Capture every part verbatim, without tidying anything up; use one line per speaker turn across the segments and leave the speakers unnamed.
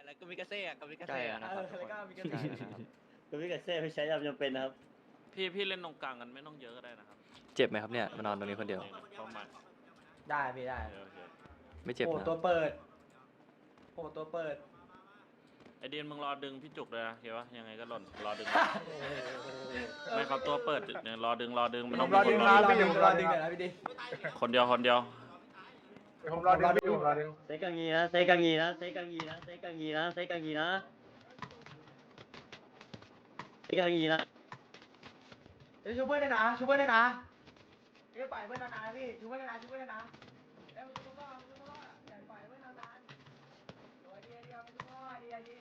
แล้วก็มิกาเซ่กับมิกา
ใกล้
เซ่
แล้วนะ
เอ
ครับ
อแล้วก็มิกา
ใกล้
เซ่
แล้วนะครับ
ก็พี่กับเซ่ไม่ใช้ยามจำเป็นนะครับ
พี่พี่เล่นตรงกลางกันไม่ต้องเยอะก็ได้นะครับ
เจ็บไหมครับเนี่ยมานอนตรงนี้คนเดียว
เข้ามา
ได้พี่ได้
โอเค
ไม่เจ็บ
โอ้
นะ
ตัวเปิดโอ้ตัวเปิด
ไอเดียนมึงรอดึงพี่จุกเลยนะเห็นปะยังไงก็หล่นรอดึงไม่เขาตัวเปิดเนี่ยรอดึงรอดึงมัน
ผ
ต้อง
มรอดึง
คน
รอ
รอ
ดึงรอดึงหน่อยนะพี่ดิ
คนเดียวคนเดียว
ผมรอดึงอยู่รอดึง
เซกังงีนะเซกังงีนะเซกังงีนะเซกังงีนะเซกังงีนะเซกังงีนะ
เดี๋ยวชูเพื่อนได้นะชูเพื่อนได้นะเดี๋ยวปล่อยเพื่อนนานๆพี่ชูเพื่อนได้นะชูเพื่อนได้นะเดี๋ยวชูเพื่อนก็ชูเพื่อนก็อย่าปล่อยเพื่อนนานๆตัวเดียวเดียวชูเพื่อนเดียวดี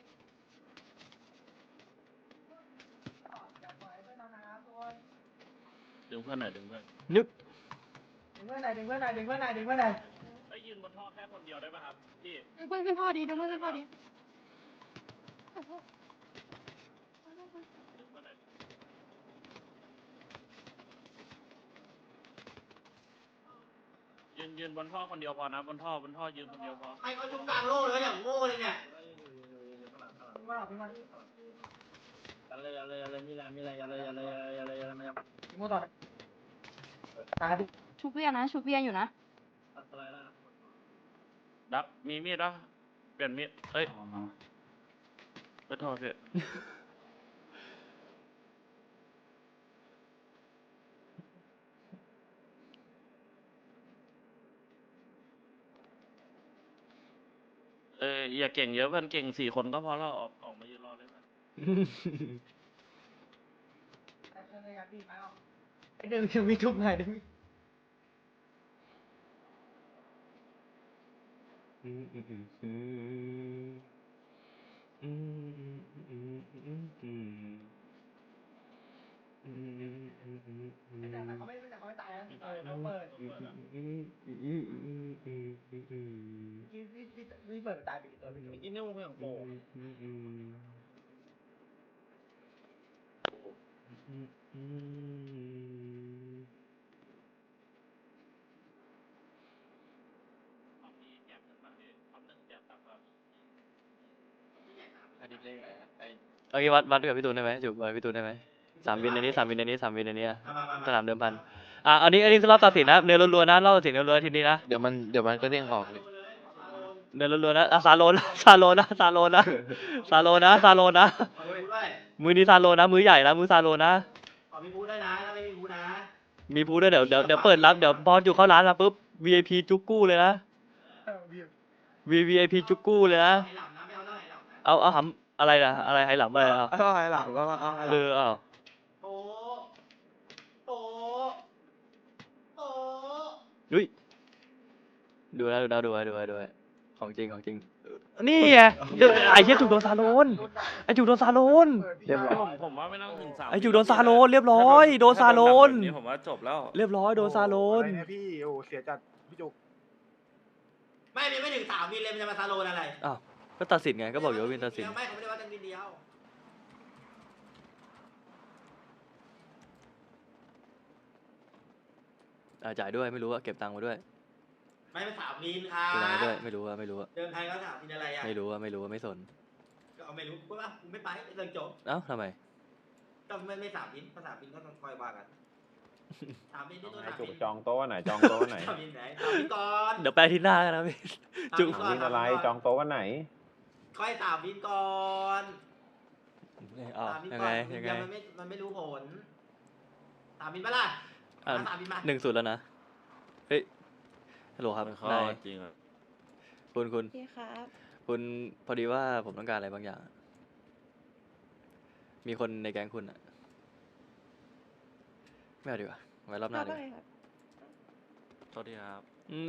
อย่าปล่อยเพื่อนนานๆทุกคน
ดึงเพื่อนหน่อยดึงเพื่อน
นึก
ดึงเพื่อนหน่อยดึงเพื่อนหน่อยดึงเพื่อนหน่อยดึงเพื่อนหน่อย
ไอยืนบนท่อแค่คนเดียวได้ป่ะครับพี่
ดึงเพื่อนขึ้นพ่อดีดึงเพื่อนขึ้นพ่อดี
ดึงเพื่อนหน่อยยืนยืนบนท่อคนเดียวพอนะบนท่อบนท่อยืนคนเดียวพอ
ใครเขาชุบกลางโลกเลยอย่างโง่เลยเนี่ยมาหรอพี่มัน
อะไรอะไรอะไรมีอะไรมีอะไรอะไรอะไรอะไรอะไรอะไร
พี่โม่ต่อตายดิ
ชูเพียนนะชูเพียนอยู่นะ
อะไรล่ะ
ดับมีมีดปะเปลี่ยนมีดเอ้ยไปโทษพี่เอออย่าเก่งเยอะเพื่อนเก่งสี่คนก็พอแล้วออกออกมายืนรอเลยนะ
ไอ้เดิมยังมีทุบหน่อยเดิม
อืมอืมอืมอืมอืมอืมอืมอืมอืมอืมอืมอืมอืมอืม
แต่เขาไม่แต่เขาไม่ตายนะเออเขาเปิด
อืมอืมอืมอืมอืมอืมอืม
พี่พี่พี่พี่เปิดตายไปกี่ตัวพี่ดู
กินนี่มึงอย่างโง่
อืมอืมอืมอืม
อันนี้เลขอะไรไอ้
โอเควัดวัดกับพี่ตูนได้ไหมจุบวัดพี่ตูนได้ไหมสามวินในนี้สามวินในนี้สามวินในนี้อะสนามเดิมพันอ่ะอันนี้อันนี้รอบตัดสินนะเนื้อล้วนๆนะรอบตัดสินเนื้อล้วนๆทีนี้นะ
เดี๋ยวมันเดี๋ยวมันก็เด้งออกเลย
เนื้อล้วนๆนะอ่ะซาโลนะซาโลนะซาโลนะซาโลนะซาโลนะ
ขอพี่บูด้วย
มือนี้ซาโลนะมือใหญ่นะมือซาโลนะ
ขอพี่บูด้วยนะถ้าไม่มีบูนะ
มีพูดด้วยเดี๋ยวเดี๋ยวเดี๋ยวเปิดรับเดี๋ยวพอจุเข้าร้านมาปุ๊บ วี ไอ พี จุกกู้เลยนะ V วี ไอ พี จุกกู้เลยนะ
ไอ้หลับนะไม่เอาหน่อยหลับนะ
เอาเอาหำอะไรนะอะไรไหหลำอะไรอ่ะ
เอาไอ้หลังก็เอา
เออเอา
โอ้โอ้โอ้
ดุยดูนะดูนะดูไว้ดูไว้ดูไว้ของจริงของจริงนี่ไงเดี๋ยวไอ้เชี่ยจุกโดนซาโลนไอ้จุกโดนซาโลน
เรียบร้อย
ผมผมว่าไม่ต้องถึงสาม
ไอ้จุกโดนซาโลนเรียบร้อยโดนซาโลน
แบบนี้ผมว่าจบแล้ว
เรียบร้อยโดนซาโลน
อะไรเนี่ยพี่โอ้เสียจัดพี่จุก
ไม่ไม่ไม่ถึงสามวินเลยมันจะมาซาโลนอะไร
อ้าวก็ตัดสินไงก็บอกอยู่ว่าวินตัดสิน
ไม่เขาไม่ได้ว่าตั้งวินเดียว
อ่าจ่ายด้วยไม่รู้ว่าเก็บตังค์มาด้วย
ไม่เป็นสามวินค่ะ
เก็บตังค์มาด้วยไม่รู้ว่าไม่รู้ว่า
เดินไทยก็สามวินอะไรอ่ะ
ไม่รู้ว่าไม่รู้ว่าไม่สน
ก็เอาไม่รู้กูว่ากูไม่ไปเรื่องจบ
เอ้าทำไม
ก็ไม่ไม่สามวินถ้าสามวินก็ต้องคอยว่ากันสามวินที่ตัว
ไหน
สาม
จุก
วิน
จองโต๊ะวันไหนจองโต๊ะวันไหน
สามวินไหนสามวินก่อน
เดี๋ยวไปอาที่หน้ากันนะพี่ จุก
สาม
วินอะไรจองโต๊ะวันไหน
ค่อยสามวินก่อน
อ้าว
สามวิน
ยัง
ก่อ
ไง
น
ยังไง
มันไม่มันไม่รู้ผลสามวินปะล่ะ
อ่ะ
มาสามวินมา
หนึ่งศูนย์แล้วนะเฮ้ยฮัลโหลครับ
มันเข้าน
าย
จริงอ่ะ
คุณคุณ
พี่ครับ
คุณพอดีว่าผมต้องการอะไรบางอย่าง มีคนในแก๊งคุณอะไม่เอาดีกว่าไว้รอบหน้าเลย
ครับ
โทษทีครับ
อืม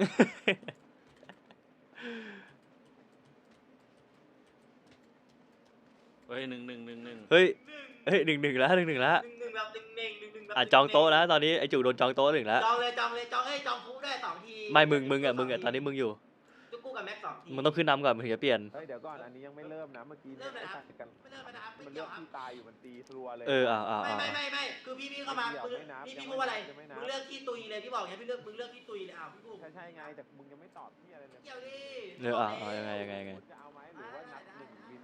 เฮ้ยหนึ่งหนึ่งหนึ่งหนึ่ง
เฮ้ยเฮ้ยหนึ่งหนึ่งแล้วหนึ่งหนึ่งแล้ว
หนึ่งหนึ่งแบบหนึ่งหนึ่งหนึ่งหนึ่งแบบ
อ่ะจองโต๊ะแล้วตอนนี้ไอ้จู่โดนจองโต๊ะหนึ่งแล้ว
จองเลยจองเลยจองเอ้ยจองฟูได้สองที
ไม่มึงมึงอ่ะมึงอ่ะตอนนี้มึงอยู่
จุกกู้กับแม็กสองที
มึงต้องขึ้นนำก่อนมึงถึงจะเปลี่ยน
เฮ้ยเดี๋ยวก่อนอันนี้ยังไม่เริ่มนะเมื่อกี้
เริ่มเลยนะ
ตัดกัน
ไม่เริ่มไม่นะครับไม่
มัน
เกี่
เลื
ย
อ
ว
ก
ครับ
ที่ตายอยู่มันตีรัวเลย
เออเอาเอา
ไม่
เอา
ไม่ไม่ไม่คือพี่พี่เข้ามา
ไม่
มึง
ไม่นับ
พี่
ยัง
พี่
ไม่
พูดว่าอะไร
นับยังไม่นับ
มึงเลือกที่ตุยเลยพี่บอกไงพี่เลือกมึงเลือกที่ตุยเลยอ้าวพี่พูด
ใช่ใช่ไงแต่มึงยังไม่ตอบที่อะไรเลย
เกี่ยวดิ
เออเอาเอายังไงยังไงยังไง
จะเอาไหมหรือว่านับหนึ่งวิน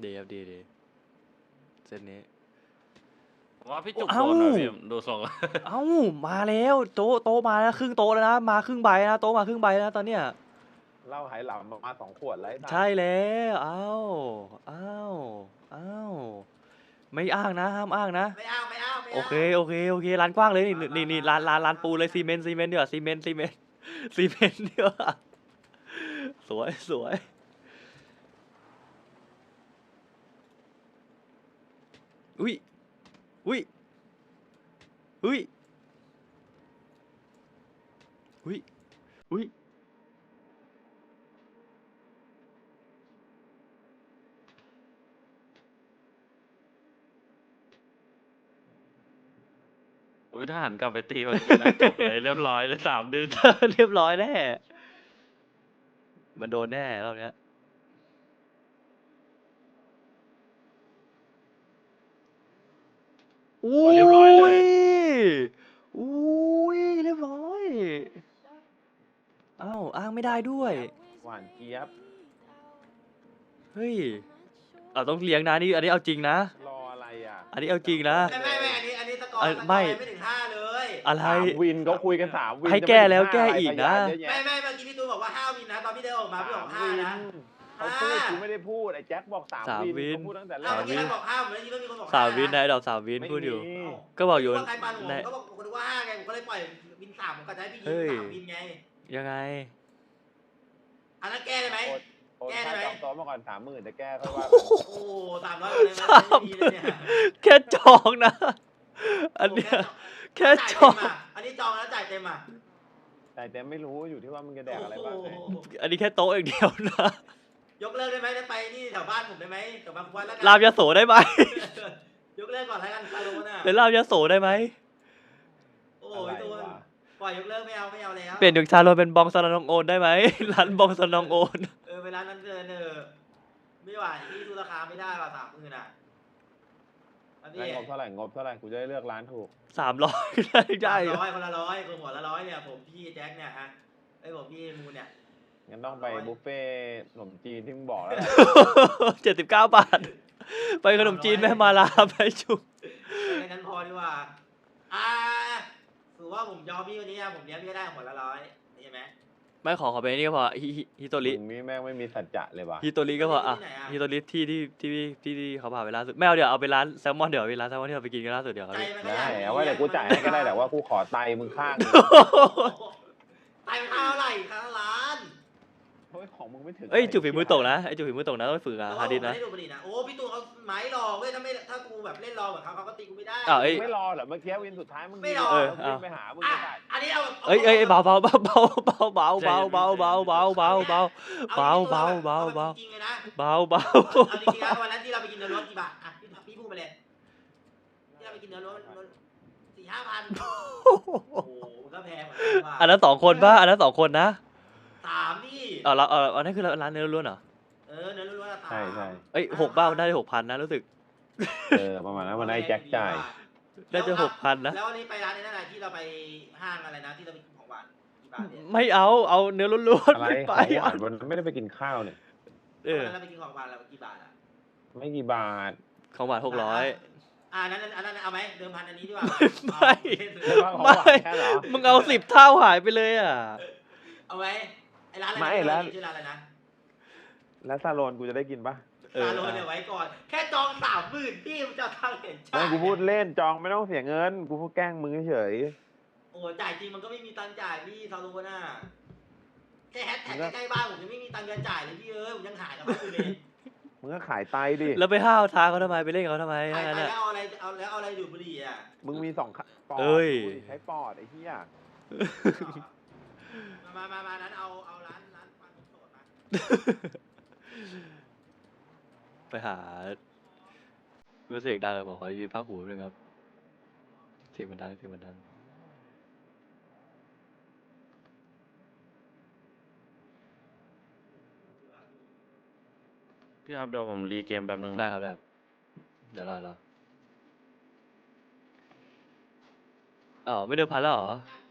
ดีครับดีดีเส้นนี้
ผมว่าพี่จุก
เอ้า
โดนหน่อยพี่ดูทรง
เอ้ามาแล้วโต๊ะโต๊ะมาแล้วครึ่งโต๊ะแล้วนะมาครึ่งใบนะโต๊ะมาครึ่งใบแล้วตอนเนี้ย
เหล้าไหหลำมาสองขวดแล้วไอ้สัส
ใช่แล้วเอ้าเอ้าเอ้าไม่อ้างนะห้ามอ้างนะ
ไม่เอาไม่เอาไม่เอา
โอเคโอเคโอเคร้านกว้างเลยนี่นี่นี่ร้านร้านร้านปูนเลยซีเมนต์ซีเมนต์เดี๋ยวาซีเมนต์ซีเมนต์ซีเมนต์เดี๋ยวาสวยสวยอุ้ยอุ้ยอุ้ยอุ้ยอุ้ย
อุ้ยถ้าหันกลับไปตีเมื่อกี้นะจบเลยเรียบร้อยเลยสามดึง
เรียบร้อยแน่มันโดนแน่รอบเนี้ยอุ้ย
เรียบร้อยเลย
อุ้ยเรียบร้อยอ้าวอ้างไม่ได้ด้วย
หวานเจี๊ยบ
เฮ้ยเราต้องเลี้ยงนะนี่อันนี้เอาจริงนะ
รออะไรอ่ะ
อันนี้เอาจริงนะ
ไม่ไม่ไม่อันนี้อันนี้สกอร์
เอ้ย
สกอร์
ไม่
ไม่ถึงห้าเลย
อะไร
สามวินเขาคุยกันสามวิน
ให้
จะ
แก้
ไม่ถึง
แล้ว
ห้า
แก้
อะไร
อีก
พ
นะ
ยาเยอแย
ไม่ไม่เมื่อกี้พี่ตูนบอกว่าห้าวินนะตอนพี่เดินออกมาพี่บอกห้า
วิน
นะ
เขาพูดกูไม่ได้พูดไอ้แจ็คบอกสาม
สาม
วิน
วิน
เขาพูดตั้งแต่แร
อ้าว
ก
เมื่อกี้ใครบอกห้าเหมือนที่เมื่อกี้คนบอก
สามวิน
ห้
นายดอกสามวิน
ไม่
พูดอยู่
มี
ก็บอกอยู่
ว่าใครปันผม
ใน
ก็บอกคนว่าห้าไงผมก็เลยปล่อยวินสามผมก็จะให้พี่ยิ
เฮ้
ง
ย
สามวินไง
ยังไง
อันนั้นแก้ได้ไหม
โอน
แก้ได้
ค่า
ไหม
จองโต๊ะมาก่อนสามหมื่นแต่แก้ค่อยว่า
โอ้สามร้อยเลยนะ
สาม
ไม่ดีเลยเนี่ย
แค่จองนะ อันเนี้ยแค่จอง
จ่ายเต็มะอันนี้จองแล้วจ่ายเต็มอ่ะ
แต่แต่ไม่รู้อยู่ที่ว่ามึงจะแดกอะไรบ้างไง
โอ้โห
อันนี้แค่โต๊ะอย่างเดียวนะ
ยกเลิกได้ไหมได้ไปนี่แถวบ้านผมได้ไหมแถวบางควันแล้วกั
รามยโสได้ไหม
ยกเลิกก่อนแล้วกันคาร์โลน่ะ
เป็นรามยโสได้ไหม
โอ้
อะไร
ยตูน
วะ
ปล่อยยกเลิกไม่เอาไม่เอาแล้ว
เปลี่ยนจากชาโรเป็นบองสนองโอนได้ไหม ร้านบองสนองโอน
เออเวลานั้นเดินเออไม่ไหวพี่ดูราคาไม่ได้ว่ะสามหมื่นอ่ะอันนี้
งั้นงบเท่าไหร่งบเท่าไหร่กูจะได้เลือกร้านถูก
สามร้อยได้ได้
ร้อยคนละร้อยคนหัวละร้อยเนี่ยผมพี่แจ็คเนี่ยฮะไอ้ยผมพี่มูนเนี่ย
งั้นต้องไปบุฟเฟ่ต์ขนมจีนที่มึงบอกแล้วแหละ
เจ็ดสิบเก้าบาท ไปขนมจีนแม่มาลาไปจุก
แค่นั้นพอดีกว่าอ่าถือว่าผมยอมพี่วันนี้อะผมเลี้ยงพี่ก็ได้หัวละร้อยเห็นไหม
ไม่ขอขอไปนี่ก็พอฮิฮิฮิโตริ
มึงนี่แม่งไม่มีสัจจะเลยว่ะ
ฮิโตริก็พออ่ะฮิโตริที่ที่ที่ที่ที่เขาพาไปล่าสุดไม่เอาเดี๋ยวเอาไปร้านแซลมอนเดี๋ยวไปร้านแซลมอนที่เราไปกินกันล่าสุดเดี๋ยวเอา
ใจ
ดิ
มันก็
ได้
อยาก
เอาไว้เดี๋ยวกูจ่ายให้ก็ได้แต่ว่ากูขอไตมึงข้างหนึ่ง
ไตมันข้าวไหร่ข้าวร้าน
เฮ้ยของมึงไม่ถึง
เอ้ยจุกฝีมือตกนะไอ้จุกฝีมือตกนะต้องไปฝึกอ่ะ
แต่
ฮา
ว่า
ดิ
ผ
ส
ม
นะ
ไม่ได้ดูบุหรี่นะโอ้พี่ตูนเขาไม้รอเว้ยถ้าไม่ถ้ากูแบบเล่นรอเหมือนเขาเขาก็ตีกูไม่ได้
อ้าวเอ้ย
ไม่รอเหรอเมื่อกี้วินสุดท้ายมึง
ไม่รอ
เออ
เออ
วิ่งไปหามึง
อ่ะ
ไม่ได้
อันนี้เอา
เอ้ยเอ้ยเบาเบาเบาเบาเบาเบาเบาเบาเบาเบาเบาเบาเบา เบาเบาเบาเบา
จริงๆเลยนะ
เบาเบา
เอาจริงๆนะวันนั้นที่เราไปกินเนื้อล้วนกี่บาทอ่ะพี่พี่พูดไปเลยที่เราไปกินเนื้อล้วนสี่ห้าพันโอ้โหมันก็แพงเหมือนกันว่ะ
อันนั้นสองคนป่ะอันนั้นสองคนนะ
สามพี่
เออเราเอออันนั้นคือร้านเนื้อล้วนเหรอ
เออเนื้อล้วนๆอะสาม
ใช่ใช่
เอ้ยหกเบ้าได้หกพันนะรู้สึก
เออประมาณนั้นมันได้แจ็คจ่าย
ได้จะหกพันนะ
แล้ววันนี้ไปร้านนี้นั่นแหละที่เราไปห้างอะไรนะที่เราไปกินของหวานกี่บาทเนี่ย
ไม่เอาเอาเนื้อล้วนๆ
อะไร
ไม่
ข
ไป
องหวานวันนั้นไม่ได้ไปกินข้าวเนี่ย
เออ
วันนั้นเราไปกินของหวานเรากี่บาทอ่ะ
ไม่กี่บาท
ของหวานหกร้อย
อ่านั้นอันนั้นเอาไหมเดิมพันอันนี้ดีกว่า
ไม่
ไม่ว่าของห
ไม่
วานแค่เหรอ
มึงเอาสิบเท่าหายไปเลยอ่ะ
เอาไหมไอ้ร้านอะไร
ไม่
นะ
ร้าน
ชื่อร้านอะไรนะ
แล้วซาโลนกูจะได้กินปะ
เออ
ซาโลนเนี่ยไว้ก่อน แค่จองสามหมื่นพี่มันจะทางเห็น
ไม่กูพูดเล่นจองไม่ต้องเสียเงิน กูพูดแกล้งมึงเฉย
โอ้จ่ายจริงมันก็ไม่มีตังค์จ่ายพี่ซาโลนน่ะแค่แฮชแท็กใกล้ๆบ้านผมยังไม่มีตังค์จะจ่ายเลยพี่เอ้ยผมยังหายกับบ้านอยู่เลย
มึงก็ขายไตดิ
แล้วไปห้าวท้าเขาทำไมไปเล่นกับเขาทำไม
ขาย
ทั้ง
ไป
นั้น
แล้ว
อ่ะ
เอาอะไรเอาแล้วเอาอะไรดูดบุหรี่อ่ะ
มึงมีสองขปอด
เอ้ย
กูใช้ปอดไอ้เหี้ย
มามามามานั้นเอาเอาร้านร้านฟันผมโสดมา
ไปหาเมื่อเสียงดังเลยบอกขอยืนภาคหูนึงครับเสียงมันดังเสียงมันดัง
พี่ครับเดี๋ยวผมรีเกมแป๊บนึง
ได้ครับได้ครับเดี๋ยวรอรออ๋อไม่เดิมพันแล้วเหรอ